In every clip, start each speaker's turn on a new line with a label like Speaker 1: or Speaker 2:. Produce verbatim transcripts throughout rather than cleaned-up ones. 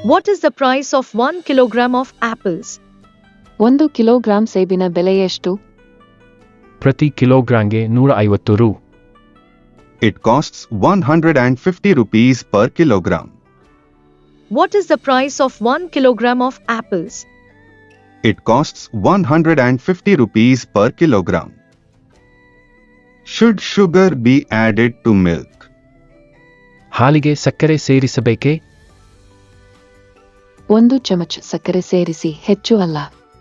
Speaker 1: What is the price of one kilogram of apples?
Speaker 2: ಒಂದು kilogram ಸೇಬಿನ ಬೆಲೆ ಎಷ್ಟು?
Speaker 3: ಪ್ರತಿ ಕಿಲೋಗ್ರಾಂಗೆ ನೂರ ಐವತ್ತು ರು.
Speaker 4: It costs one hundred fifty rupees per kilogram.
Speaker 1: What is the price of one kilogram of apples?
Speaker 4: It costs one hundred fifty rupees per kilogram. Should sugar be added to milk?
Speaker 3: ಹಾಲಿಗೆ ಸಕ್ಕರೆ ಸೇರಿಸಬೇಕೇ?
Speaker 2: ಒಂದು ಚಮಚ ಸಕ್ಕರೆ ಸೇರಿಸಿ, ಹೆಚ್ಚು ಅಲ್ಲ.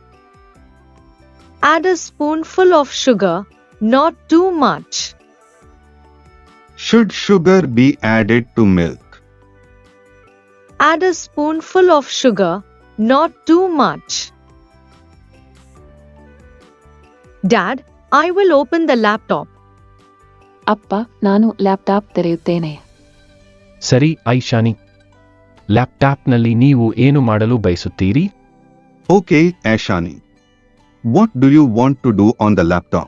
Speaker 1: Add a spoonful of sugar, not too much.
Speaker 4: Should sugar be added to milk?
Speaker 1: Add a spoonful of sugar, not too much. Dad, I will open the laptop.
Speaker 2: ಅಪ್ಪ, ನಾನು ಲ್ಯಾಪ್ಟಾಪ್ ತೆರೆಯುತ್ತೇನೆ.
Speaker 3: ಸರಿ ಐಶಾನಿ. ಲ್ಯಾಪ್ಟಾಪ್ನಲ್ಲಿ ನೀವು ಏನು ಮಾಡಲು ಬಯಸುತ್ತೀರಿ?
Speaker 4: Okay, Aishani. What do you want to do on the laptop?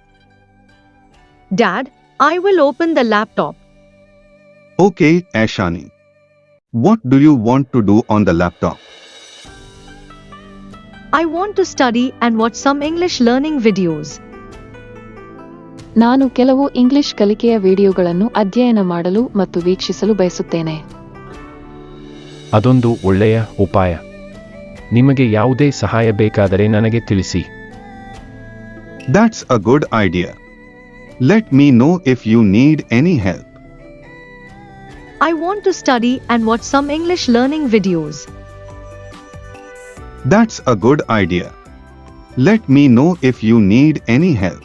Speaker 1: Dad, I will open the laptop.
Speaker 4: Okay, Aishani. What do you want to do on the laptop?
Speaker 1: I want to study and watch some English learning videos.
Speaker 2: ನಾನು ಕೆಲವು English ಕಲಿಕೆಯ ವಿಡಿಯೋಗಳನ್ನು ಅಧ್ಯಯನ ಮಾಡಲು ಮತ್ತು ವೀಕ್ಷಿಸಲು ಬಯಸುತ್ತೇನೆ.
Speaker 3: ಅದೊಂದು ಒಳ್ಳೆಯ ಉಪಾಯ. ನಿಮಗೆ ಯಾವುದೇ ಸಹಾಯ ಬೇಕಾದರೆ ನನಗೆ ತಿಳಿಸಿ.
Speaker 4: That's a good idea. Let me know if you need any help.
Speaker 1: I want to study and watch some English learning videos.
Speaker 4: That's a good idea. Let me know if you need any help.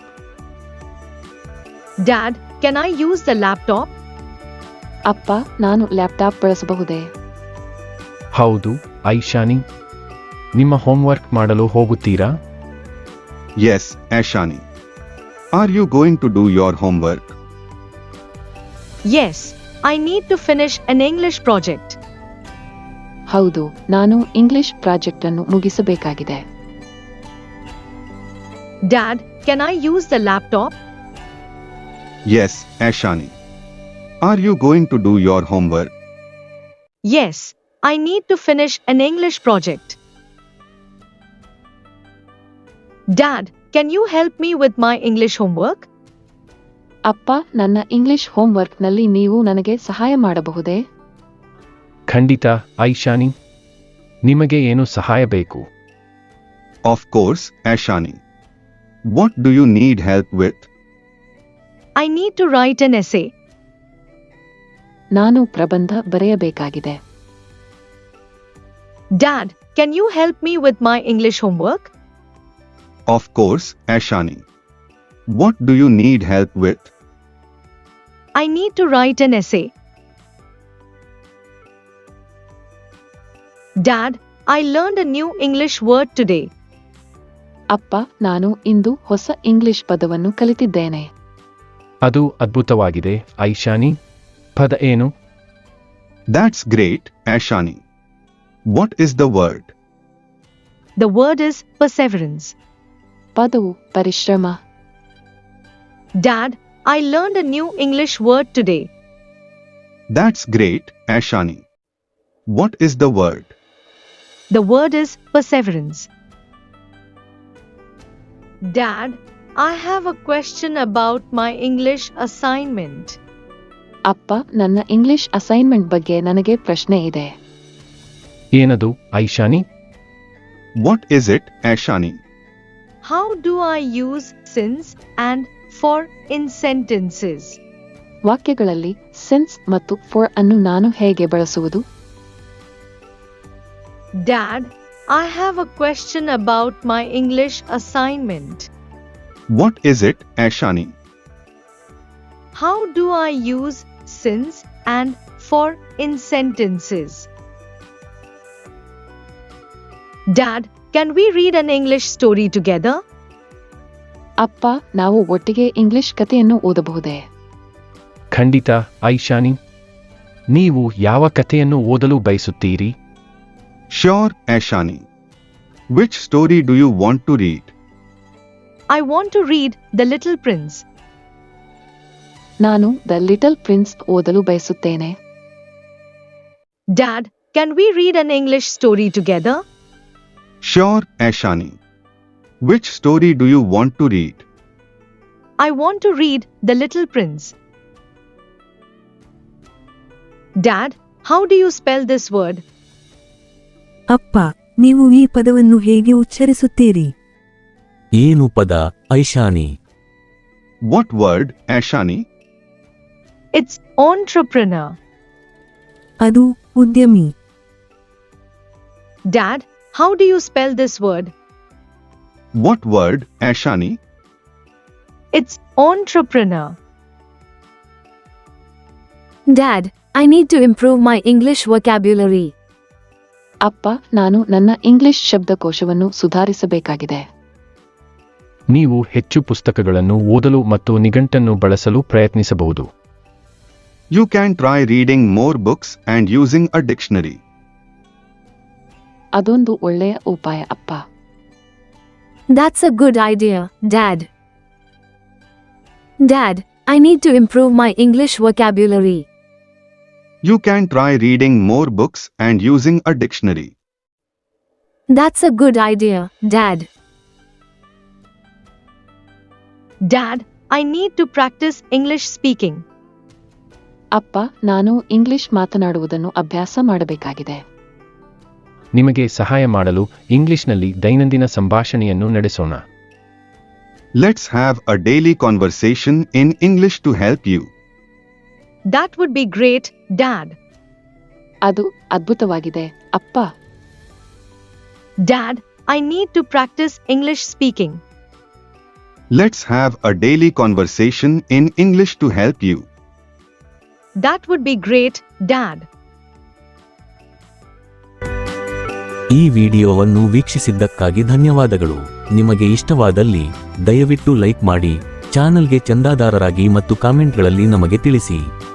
Speaker 1: Dad, can I use the laptop?
Speaker 2: ಅಪ್ಪ, ನಾನು laptop ಬಳಸಬಹುದೇ?
Speaker 3: ಹೌದು ಐಶಾನಿ. ನಿಮ್ಮ homework ಮಾಡಲು ಹೋಗುತ್ತೀರಾ?
Speaker 4: Yes, Aishani. Are you going to do your homework?
Speaker 1: Yes, I need to finish an English project.
Speaker 2: ಹೌದು, ನಾನು English project ಅನ್ನು ಮುಗಿಸಬೇಕಾಗಿದೆ.
Speaker 1: Dad, can I use the laptop?
Speaker 4: Yes, Aishani. Are you going to do your homework?
Speaker 1: Yes, I need to finish an English project. Dad, can you help me with my English homework?
Speaker 2: ಅಪ್ಪ, ನನ್ನ English ಹೋಮ್ವರ್ಕ್ನಲ್ಲಿ ನೀವು ನನಗೆ ಸಹಾಯ ಮಾಡಬಹುದೇ?
Speaker 3: ಖಂಡಿತ ಐಶಾನಿ. ನಿಮಗೆ ಏನು ಸಹಾಯ ಬೇಕು?
Speaker 4: Of course, Aishani. What do you need help with?
Speaker 1: I need to write an essay.
Speaker 2: ನಾನು ಪ್ರಬಂಧ ಬರೆಯಬೇಕಾಗಿದೆ.
Speaker 1: Dad, can you help me with my English homework?
Speaker 4: Of course, Aishani. What do you need help with?
Speaker 1: I need to write an essay. Dad, I learned a new English word today.
Speaker 2: ಅಪ್ಪ, ನಾನು ಇಂದು ಹೊಸ English ಪದವನ್ನು ಕಲಿತಿದ್ದೇನೆ.
Speaker 3: ಅದು ಅದ್ಭುತವಾಗಿದೆ ಐಶಾನಿ. ಪದ ಏನು?
Speaker 4: That's great, Aishani. What is the word?
Speaker 1: The word is perseverance.
Speaker 2: ಪದವು ಪರಿಶ್ರಮ.
Speaker 1: Dad, I learned a new English word today.
Speaker 4: That's great, Aishani. What is the word?
Speaker 1: The word is perseverance. Dad, I have a question about my English assignment.
Speaker 2: ಅಪ್ಪ, ನನ್ನ English assignment ಬಗ್ಗೆ ನನಗೆ ಪ್ರಶ್ನೆ ಇದೆ.
Speaker 3: ಏನದು Aishani?
Speaker 4: What is it, Aishani?
Speaker 1: How do I use since and for in sentences?
Speaker 2: ವಾಕ್ಯಗಳಲ್ಲಿ since ಮತ್ತು for ಅನ್ನು ನಾನು ಹೇಗೆ ಬಳಸುವುದು?
Speaker 1: Dad, I have a question about my English assignment.
Speaker 4: What is it, Aishani?
Speaker 1: How do I use since and for in sentences? Dad, can we read an English story together?
Speaker 2: ಅಪ್ಪ, ನಾವು ಒಟ್ಟಿಗೆ English ಕಥೆಯನ್ನು ಓದಬಹುದೇ?
Speaker 3: ಖಂಡಿತ ಐಶಾನಿ. ನೀವು ಯಾವ ಕಥೆಯನ್ನು ಓದಲು ಬಯಸುತ್ತೀರಿ?
Speaker 4: Sure, Aishani. Which story do you want to read?
Speaker 1: I want to read The Little Prince.
Speaker 2: ನಾನು ದ ಲಿಟಲ್ ಪ್ರಿನ್ಸ್ ಓದಲು ಬಯಸುತ್ತೇನೆ.
Speaker 1: Dad, can we read an English story together?
Speaker 4: Sure, Aishani. Which story do you want to read?
Speaker 1: I want to read The Little Prince. Dad, how do you spell this word?
Speaker 5: ಅಪ್ಪ, ನೀವು ಈ ಪದವನ್ನು ಹೇಗೆ ಉಚ್ಚರಿಸುತ್ತೀರಿ?
Speaker 6: ಏನು ಪದ, Aishani?
Speaker 4: What word, Aishani?
Speaker 1: It's entrepreneur.
Speaker 5: ಅದು ಉದ್ಯಮಿ.
Speaker 1: Dad, how do you spell this word?
Speaker 4: What word, Aishani?
Speaker 1: It's entrepreneur.
Speaker 7: Dad, I need to improve my English vocabulary.
Speaker 2: ಅಪ್ಪ, ನಾನು ನನ್ನ ಇಂಗ್ಲಿಷ್ ಶಬ್ದಕೋಶವನ್ನು ಸುಧಾರಿಸಬೇಕಾಗಿದೆ.
Speaker 3: ನೀವು ಹೆಚ್ಚು ಪುಸ್ತಕಗಳನ್ನು ಓದಲು ಮತ್ತು ನಿಘಂಟನ್ನು ಬಳಸಲು ಪ್ರಯತ್ನಿಸಬಹುದು.
Speaker 4: You can try reading more books and using a dictionary.
Speaker 2: ಅದೊಂದು ಒಳ್ಳೆಯ ಉಪಾಯ ಅಪ್ಪ.
Speaker 7: That's a good idea, Dad. Dad, I need to improve my English vocabulary.
Speaker 4: You can try reading more books and using a dictionary.
Speaker 7: That's a good idea, Dad.
Speaker 1: Dad, I need to practice English speaking.
Speaker 2: ಅಪ್ಪ, ನಾನು English ಮಾತನಾಡುವುದನ್ನು ಅಭ್ಯಾಸ ಮಾಡಬೇಕಾಗಿದೆ.
Speaker 3: ನಿಮಗೆ ಸಹಾಯ ಮಾಡಲು ಇಂಗ್ಲಿಷ್ನಲ್ಲಿ ದೈನಂದಿನ ಸಂಭಾಷಣೆಯನ್ನು ನಡೆಸೋಣ.
Speaker 4: Let's have a daily conversation in English to help you.
Speaker 1: That would be great, Dad.
Speaker 2: ಅದು ಅದ್ಭುತವಾಗಿದೆ, ಅಪ್ಪ.
Speaker 1: Dad, I need to practice English speaking.
Speaker 4: Let's have a daily conversation in English to help you.
Speaker 1: That would be great, Dad.
Speaker 6: ಈ ವಿಡಿಯೋವನ್ನು ವೀಕ್ಷಿಸಿದ್ದಕ್ಕಾಗಿ ಧನ್ಯವಾದಗಳು. ನಿಮಗೆ ಇಷ್ಟವಾದಲ್ಲಿ ದಯವಿಟ್ಟು ಲೈಕ್ ಮಾಡಿ, ಚಾನಲ್ಗೆ ಚಂದಾದಾರರಾಗಿ ಮತ್ತು ಕಾಮೆಂಟ್ಗಳಲ್ಲಿ ನಮಗೆ ತಿಳಿಸಿ.